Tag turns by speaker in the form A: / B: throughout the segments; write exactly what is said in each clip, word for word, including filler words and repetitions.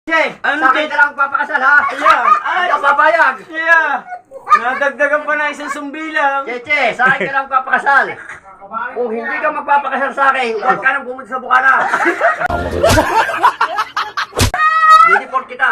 A: Che,
B: Ano,
A: sa akin
B: Che?
A: ka lang papakasal ha?
B: Ayan.
A: Ay, ikaw papayag.
B: Yeah. Nadagdagan pa na isang sumbilang.
A: Che, che, sa akin ka lang papakasal. Kung hindi ka magpapakasal sa akin, huwag ka nang pumunta sa Bukana. Didiport kita.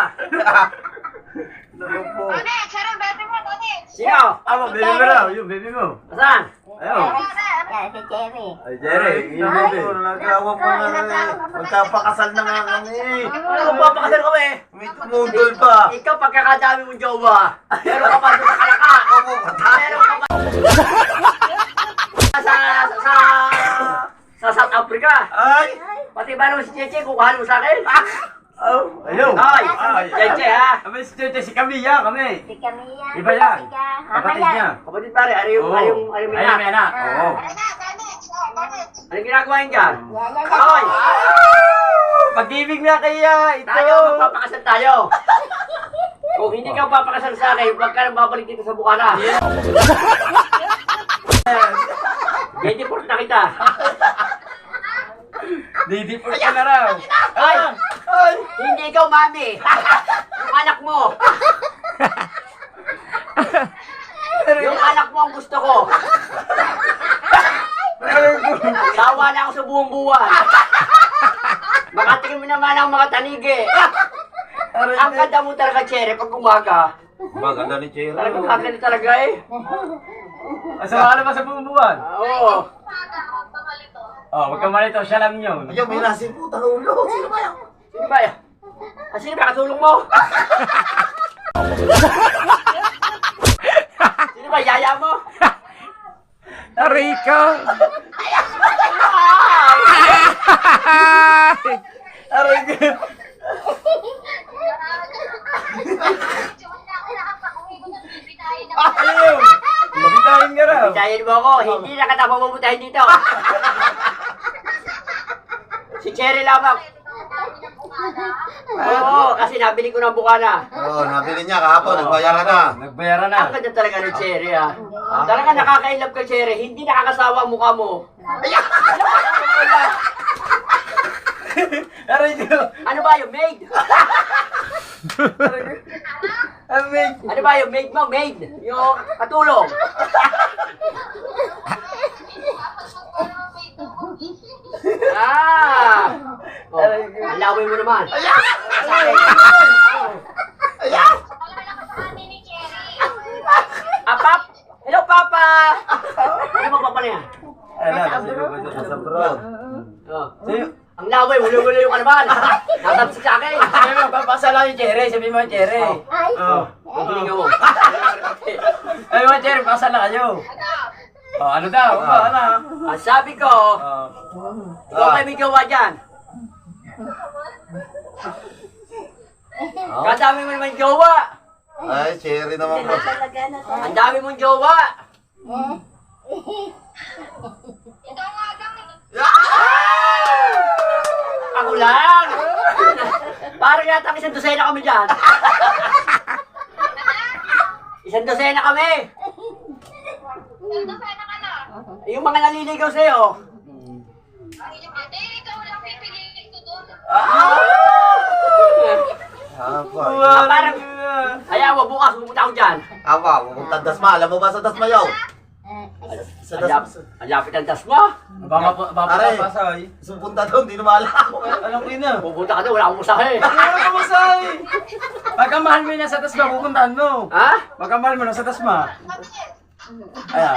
C: Tony, sarang baby mo, Tony.
A: Sino?
B: Aba, baby mo raw. Yung baby mo.
A: Saan?
B: Ayun.
C: Yan, si Cherry.
B: Ay, Jerry. Yung baby.
D: Nagawa pa na eh. Magkapakasal na nga kami.
A: Ano magpapakasal kami?
D: May tumutol pa.
A: Ikaw, pagkakadami mong jowa. Meron ka pa doon sa Kalaka. Meron ka pa sa, sa, sa, sa South Africa.
D: Ay!
A: Pati ba naman si Cheche, kukuhan mo sa akin?
B: Oh, ayun.
A: Ay,
B: Ay,
A: Cheche ha?
B: Kami si Tete, si Camilla, kami.
C: Si Camilla.
B: Iba yan.
C: Kapatid
B: Kapatid niya.
A: Kapatid pare, ano yung,
B: Oo.
A: ano yung, ano yung
B: Ayun, may
A: anak?
B: anak. Oo.
C: Tara na, Tony. Oh, Tony.
A: Anong ginagawa yun dyan?
C: Yan, yan, yan.
A: Hoy!
B: Pag-ibig na kaya ito.
A: Tayo, magpapakasal tayo. Kung hindi ka papakasal sa akin, huwag ka nang babalik dito sa Bukana. Didiport na kita.
B: Didiport ka na raw.
A: Ay!
B: Ay!
A: Hindi ikaw, mami. Yung anak mo. Yung anak mo ang gusto ko. Sawa na ako sa buong buwan. Makatingin mo naman ang mga tanigi. Ang ganda mo talaga, Cherry, pag umaga.
D: Maganda ni Cherry.
A: Talagang kakali talaga eh.
B: Asama ka na ba sa bumubuan?
A: Oo.
B: Oh, wag ka malito. Siya lang yun.
D: Ayaw, may nasing puta ulo. Sino ba yan?
A: Sino ba yan? Ah, sino ba katulong mo? Sino ba yaya mo?
E: Rico!
B: Aray ko. Ayun. Mabitahin ka raw.
A: Bitayin mo ako, hindi na kita pamumutahin dito. Si Cherry lamang. Oo, kasi nabili ko ng Bukana.
D: Oo, nabili niya kahapon. Nagbayaran na.
B: Nagbayaran na.
A: Ang ganda talaga ng Cherry ah. Talaga nakaka-inlove ka, Cherry. Hindi nakakasawa ang mukha mo.
B: Aray ko.
A: Ano ba yung maid?
B: Amig.
A: Ano ba yung maid mo? Maid? Yung katulong? Ah! Oh, ang laway mo naman. Sa akin. Ah, Pap! Hello, Papa! Ano mo, Papa na yan?
B: Ano, kasi ko ba siya
D: Sa abroad.
A: Oh.
B: Sa'yo.
A: Ang laway, wala-wala yung kalaban. Natapsik sa akin.
B: Sabi mo, papasala yung Cherry. Sabi mo, Cherry.
C: Ay.
B: Oh.
A: Ang hininga mo.
B: Sabi mo, Cherry, pasala kayo. Oh, ano daw? Oh, ano?
A: Ang sabi ko,
B: Oh.
A: ikaw kayo may gawa dyan. Kadami mo naman jowa.
D: Ay, Cherry naman po.
C: Talaga na to.
A: Ang dami mong jowa. Ako lang. Parang yata isang dosena kami dyan. Isang dosena kami. Yung mga naliligaw sa'yo.
D: Apa?
A: Ah, parang, kaya mo bukas pupunta ako dyan.
D: Apa? Pupunta Dasma. Alam mo ba sa Dasma yaw? Sa
A: Ang lap-
D: Dasma.
A: ang lapit ng tas mo.
B: Baka pa, baka
D: Aray.
B: pa pasay.
D: Supunta doon, di na maalam.
B: Anong ina?
A: Pupunta ka doon, wala akong musahe.
B: Ano ka masay? Pagkamahal mo na sa tasma, pupuntahan mo.
A: Ha?
B: Pagkamahal mo na sa tasma. Ayan.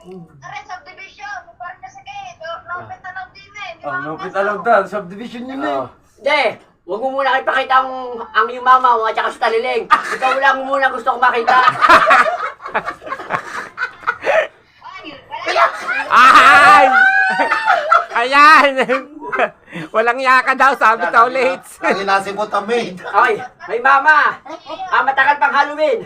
B: Oh, lupit alam daw. Subdivision yun eh.
A: Oo. Hindi, huwag mo muna kayo pakita ang, ang iyong mama mo at saka sa taliling. Ikaw lang muna gusto kong makita.
E: Ay! Ayan! Walang yaka daw, sabi to ulit.
D: Lagi nasipot ang maid.
A: Ay, ay mama, ah, matagal pang Halloween.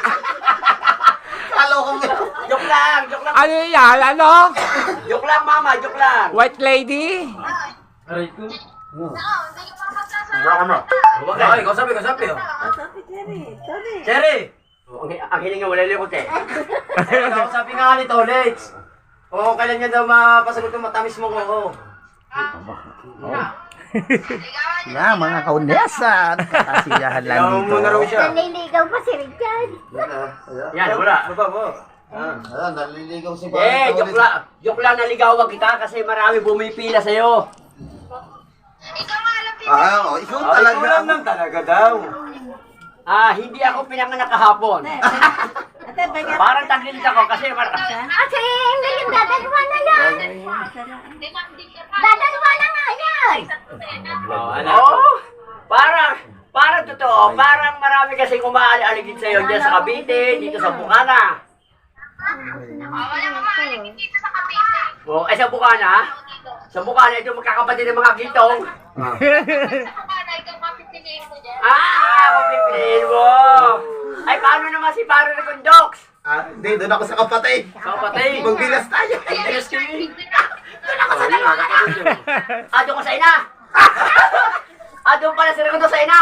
D: Kalo ko may...
A: Joke lang, joke lang.
E: Ano yan? Ano?
A: Joke lang mama, joke lang.
E: White lady?
B: Aray ko.
D: Wala ka na.
B: Ay, kasabi, kasabi. Oh. Cherry!
A: Ang, ang hininga wala likot eh.
B: Kasabi nga ni Tolets. Oo, kailan niya daw mapasagot ng matamis mo ko.
F: Yan, mga kaunesa. Kasiyahan lang
B: Ikaw
F: dito.
B: muna raw siya.
C: Nanliligaw pa si Richard.
A: Yan, wala.
B: Baba mo.
D: Ayan, naliligaw si
A: Eh, joke lang. Joke lang naligawan kita kasi marami bumipila sa'yo.
C: Ikaw nga alam,
D: Ah, oh, ikaw
B: Ay,
D: talaga.
B: kulang lang talaga daw.
A: Ah, hindi ako pinanganak kahapon. Parang taglit ako kasi mar...
C: Kasi ngayon dadalawa na yan. Dadalawa na nga yan.
B: Oh, anak.
A: Oo, parang... Parang totoo. Parang marami kasing umaali-aligid sa'yo dyan sa Cavite, dito sa Bukana.
C: Oh, wala ka maaligid dito sa Cavite.
A: Oh, ay sa Bukana? Sa Bukana, ito magkakapatid ng mga gitong.
C: Sa Bukana, ikaw mapipiliin ko dyan.
A: Ah, ako pipiliin mo. Ay, paano naman si Paro na Condox?
D: Ah, hindi, doon ako sa kapatid.
A: Sa kapatid.
D: Magbilas tayo.
A: Yes, kayo. Doon ako sa dalawa. Ah, doon ko sa ina. Ah, doon pala sila ko doon sa ina.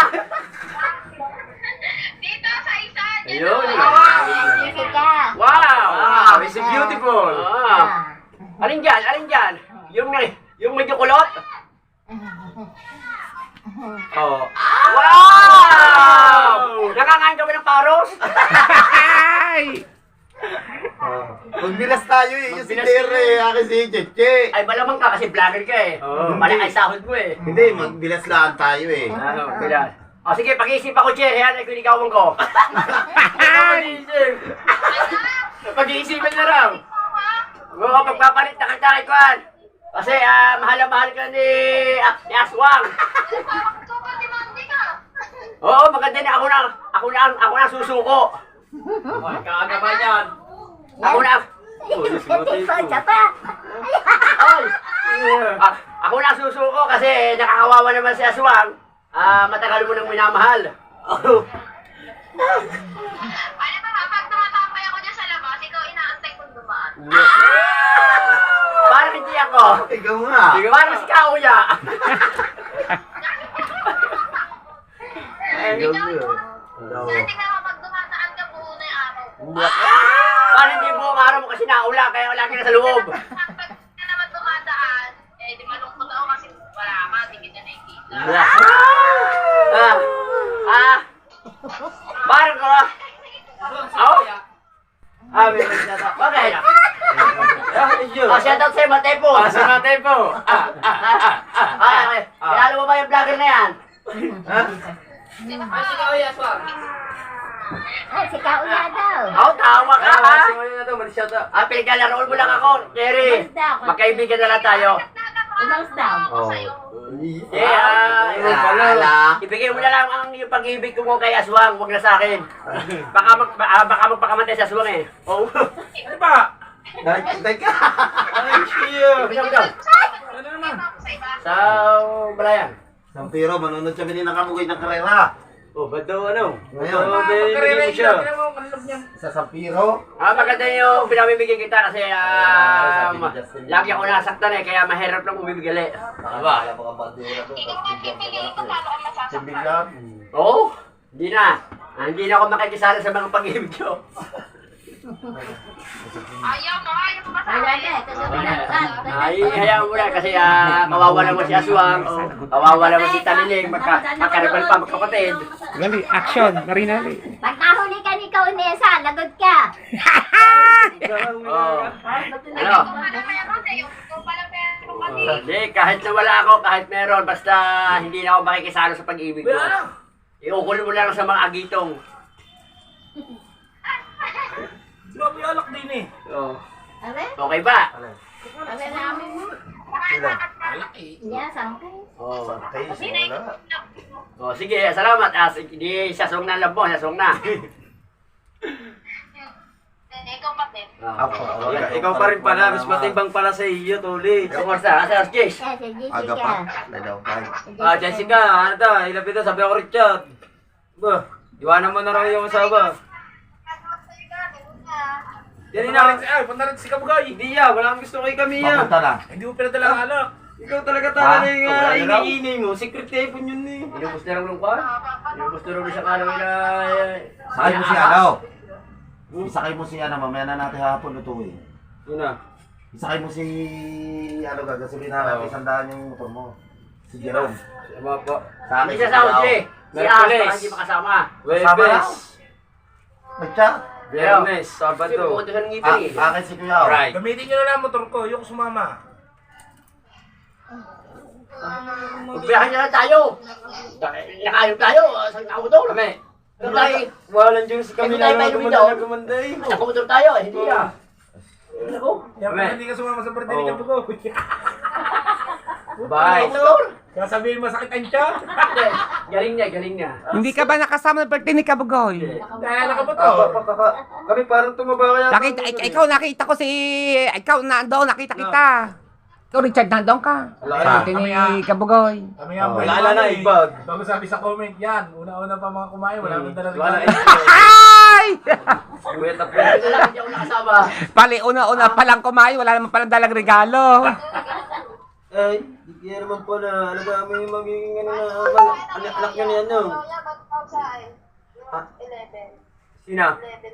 C: Dito sa isa. dito.
B: Ayun.
C: Jessica.
A: Wow.
B: Wow, it's beautiful.
A: Ah. Alin dyan? Alin dyan? Yung, yung medyo kulot?
B: Oh.
A: Wow! Nakangain ka ba ng paros?
E: Ay!
D: Magbilas tayo eh. Yung si
A: Magbilas
D: Tere, akin si Cheche.
A: Ay, malamang ka kasi vlogger ka eh.
B: Oo.
A: Malaki sahod mo eh.
D: Hindi, magbilas lang tayo eh.
A: Ano, kailan? O sige, pag-iisip ako, Che. Yan, ay kunigawan ko. Pag-iisip. Pag-iisipan na raw. Oo, pagpapalit na kita kay Kwan. Kasi, ah, mahal na mahal ka ni, ah, ni Aswang.
C: Parang ikaw ba demandi ka?
A: Oo, maganda na ako na, ako na, ako na susuko. Ay, kaaga ba yan? Ako na,
C: Siya pa.
A: ay, ah, ako na susuko kasi nakakawawa naman si Aswang. Ah, matagal mo nang minamahal.
C: Ano ba, pag tumatambay ako dyan sa labas, ikaw inaantay kong dumaan.
A: Parang hindi ako.
D: Ikaw nga.
A: Parang si Kauya.
C: Ikaw yun. Kaya tingnan mo, pag dumadaan ka, buo na yung araw ko.
A: Parang hindi buong araw mo kasi naula, kaya wala ka na sa loob.
C: Pag ka naman dumadaan, eh di malungkot ako kasi wala ka, di kita nakikita.
A: Ah, ah, parang ko. Oh? Ah, may shoutout. Bakit? Oh, shoutout sa'yo, Matepo.
B: Ah, sa natin po. Ah, ah, ah, ah,
A: Ah, okay. Kilala mo ba yung vlogger na yan?
C: Ay, si Kauya daw.
A: Oh, tawa ka
B: Ah,
A: ha?
B: simulan na to, mag-shout out.
A: Ah, pinagkalaroon mo lang ako, Jerry. Magkaibigan na lang tayo.
C: Umalis daw.
D: Oh.
A: Eh, ah,
B: Ayun pala.
A: ibigay mo na lang ang yung pag-ibig ko kay Aswang, huwag na sa akin. Baka, mag, ah, baka magpakamatay sa Aswang eh. Oh.
B: Ano ba?
D: Ay, teka.
B: Ay, siya.
A: Ibigay mo daw.
B: Ano naman?
A: Sa Balayan.
D: Sampiro, manunod siya din ng kamugay ng karera.
B: Oh, ba't daw ano?
D: Ngayon.
B: Oh, bibigyan mo siya.
D: Sa Sampiro.
A: Ah, maganda yung pinamimigay kita kasi um, lagi ako nasaktan eh, kaya mahirap lang umibigali.
D: Aba. Wala pa ka bandera doon.
C: Ikaw nga pipiliin ko paano ka masasaktan.
D: Sibigan.
A: Oo, oh, hindi na. Ah, hindi na ako makikisala sa mga pag-ibig ko.
C: Ayaw mo, ayaw mo ba sa
G: Wala
C: akin?
G: na, kagabi na.
A: Ay, hayaan mo na kasi ah, kawawa naman si Aswang, oh, kawawa naman si Taliling, magka, magkaribal pa, magkapatid.
E: Dali, action, Marinali.
G: Pag nahuli ka ni Kaunesa, lagot ka.
A: Oh. Ano?
C: Ano meron eh, yung kung pala meron kami.
A: Hindi, kahit na wala ako, kahit meron, basta hindi na ako makikisalo sa pag-ibig mo. Iukulin mo lang sa mga agitong.
B: Grabe alak din eh.
A: Oh.
G: Abe?
A: Okay ba?
G: Abe namin mo.
D: Sila.
G: Niya, sangkay.
A: Oh.
D: Sakay, wala.
A: Oh, sige, salamat. Ah, sige, di sasong na lang po, sasong na.
C: Eh, ikaw pa din.
D: Ako.
A: Oh,
B: Ikaw, ikaw pa rin pala, mas matimbang pala sa iyo, Tuli.
A: So, kumusta? Asa si Jace?
G: Eh, si
D: Aga pa.
G: Jessica.
D: Wala daw tayo.
B: Ah, Jessica, ano to? Ilapit to, sabi ako Richard. Ba, iwanan mo na raw yung asawa. Yan na.
H: Ay, punta rin si Kabugay.
B: Hindi ya, wala akong gusto kay Kamiya.
D: Papunta na.
H: Hindi mo pinadala ang alak.
B: Ikaw talaga talaga
D: Ah,
B: yung
A: wala
B: uh,
A: na raw.
B: ini-ini mo. Secret weapon yun eh.
A: Inubos na lang ng kwan? Inubos na lang siya kalaw na...
D: Sakay mo si ano? Isakay mo si ano, mamaya na natin hapon lutuin.
B: Yun na.
D: Isakay mo si ano, gagasolin na natin, isang daan yung motor mo. Si Jerome.
B: Sama po.
D: Sa akin
A: Hindi
D: si
A: siya sa
D: Kuya Ao.
A: Uji. Si
B: Merkules.
A: As, baka hindi makasama.
B: Webes.
D: Nag-chat.
B: Biyernes,
A: Kasi
B: Sabado.
A: pupunta siya ng
D: Ah,
A: ngipin eh.
D: akin si Kuya Ao.
B: Right.
H: Gamitin nyo na lang ang motor ko, yung sumama.
A: Magbiyahan niya lang tayo. Nakayop tayo. Saan tao to?
B: Kami.
A: Ano tayo?
B: Walang juice kami
A: Ano tayo
B: lang
A: may
B: ang
A: lumitaw?
B: gumanda na gumanday.
A: Sa motor tayo eh. Hindi ah. Ako.
H: Kaya
B: Kami.
H: pag hindi ka sumama sa birthday ni
B: Oo.
H: Kabugoy.
B: Bye.
A: Motor.
H: Kaya sabihin masakit ang tiyan.
A: Hindi. Galing niya, galing niya.
E: Hindi ka ba nakasama ng birthday ni Kabugoy?
H: Kaya nakamotor.
B: Ah, pa- pa- pa- Kami parang tumaba kaya.
E: Nakita, ik- ikaw nakita ko si... Ikaw nandoon, nakita kita. Ikaw Richard, nandoon ka.
B: Wala.
E: Birthday ni Kabugoy.
H: Kami nga,
D: Oh.
H: boy,
B: Wala na,
H: eh.
B: ibag.
H: Bago sabi sa comment, yan. Una-una pa mga kumain, wala nang dala
B: Wala.
H: regalo.
E: Ay!
B: Kuya tapo.
A: Ito lang, hindi ako nakasama.
E: Pali, una-una palang kumain, wala naman palang dalang regalo.
B: Ay, di kaya naman po na alaga mo yung magiging ano na mal- anak anak nyo ni ano. Ha? Sina?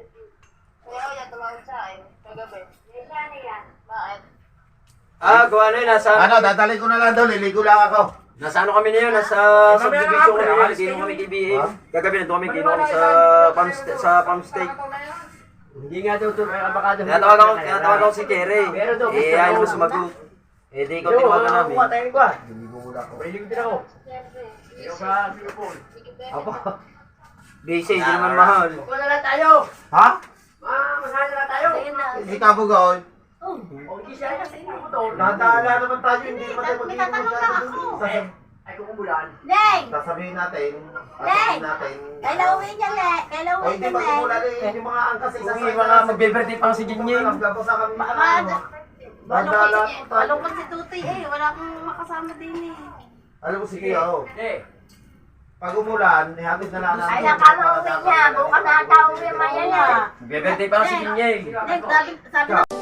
B: Ah, gawa na yun. Nasa,
D: Ano, dadalhin ko na lang daw. Liligo lang ako.
B: nasa ano kami na yun? Nasa
H: Mamaya
B: subdivision
H: na,
B: kami
H: pre.
B: na.
H: Alis
B: Gino
H: kayo.
B: kami K B A.
D: Ha?
B: Gagabi na kami, gino kami sa farm, sta- sa farm steak.
A: Hindi nga daw ito, may abakado.
B: Kaya tawag ako, kaya tawag ako si Kerry.
A: Pero daw,
B: Eh,
A: gusto
B: ayaw
A: daw.
B: naman sumagot. Eh, di ikaw
A: Yo,
B: tinawagan namin.
A: kuha tayo ko ah.
D: Liligo muna ako.
A: Mahilig din ako. Yo ka, Singapore.
B: Apo. Busy, hindi naman mahal.
A: Kuha na lang tayo.
D: Ha?
A: Ma, masahan na lang tayo.
D: Si Kabugoy.
A: O, hindi siya na sa inyo motor.
D: Nataala naman tayo. Hindi naman tayo
G: May tatanong lang ako.
D: Sasab-
A: Ay, kukumulan.
G: Deng!
D: Sasabihin natin. Sasabihin natin.
G: Kailan uwi niya, Le? Kailan
D: O
G: uwi
D: hindi
G: ka,
D: ba
G: Le?
D: kumulan eh. Yung mga angkas isa
A: Uwi, mga magbe-birthday pa si Jinying.
D: Naglabas kami.
G: Mad.
D: Madala
G: Malungkot
D: tayo.
G: malungkot si Tutoy eh. Wala kang makasama din eh.
D: Alam mo sige ako.
A: Eh,
D: Pag umulan, ihatid na lang natin.
G: Ay, nakala uwi niya. Bukas na ata uwi maya niya.
B: Bebente pa si Ginyeng.
G: Deng, sabi, sabi